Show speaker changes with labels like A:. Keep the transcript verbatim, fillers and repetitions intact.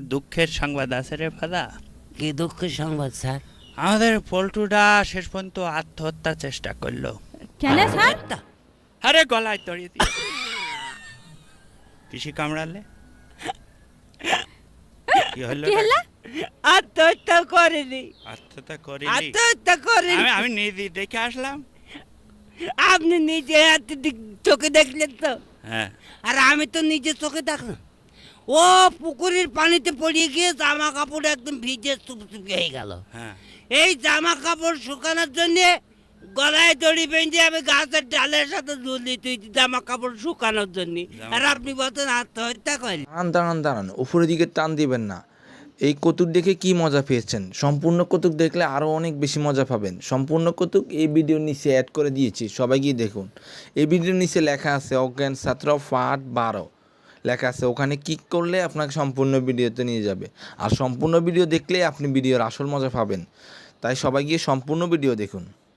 A: দুঃখের সংবাদ আছে রে ফাদা।
B: কি দুঃখের সংবাদ স্যার?
A: আমাদের পল্টুটা শেষ পর্যন্ত আত্মহত্যার চেষ্টা করলো।
C: কেন স্যার?
A: আরে গলায় দড়ি দিয়ে পিসি কামড়ালে কি হলো?
C: কি হলো?
B: আত্মহত্যা করেনি,
A: আত্মহত্যা করিনি।
B: আত্মহত্যা করেনি।
A: আমি আমি নিজে দেখে আসলাম।
B: আপনি নিজে হাতে দেখ- চোখে দেখলেন তো,
A: হ্যাঁ
B: আর আমি তো নিজে চোখে দেখলাম। ও পুকুরের পানিতে পড়িয়ে গিয়ে জামা কাপড় একদম ভিজে চুপচুপি হয়ে গেল।
A: হ্যাঁ
B: এই জামা কাপড় শুকানোর জন্য গলায় দড়ি বেঁধে আমি গাছের ডালের সাথে ঝুলি তুই জামা কাপড় শুকানোর জন্য, আর আপনি বলতেন আত্মহত্যা করেন।
D: দাঁড়ান দাঁড়ান দাঁড়ান উপরের দিকে টান দিবেন না। এই কৌতুক দেখে কি মজা পেয়েছেন? সম্পূর্ণ কৌতুক দেখলে আরও অনেক বেশি মজা পাবেন। সম্পূর্ণ কৌতুক এই ভিডিওর নিচে অ্যাড করে দিয়েছি, সবাই গিয়ে দেখুন। এই ভিডিওর নিচে লেখা আছে অজ্ঞান ছাত্র পার্ট বারো লেখা আছে, ওখানে ক্লিক করলে আপনাকে সম্পূর্ণ ভিডিওতে নিয়ে যাবে। আর সম্পূর্ণ ভিডিও দেখলে আপনি ভিডিওর আসল মজা পাবেন। তাই সবাই গিয়ে সম্পূর্ণ ভিডিও দেখুন।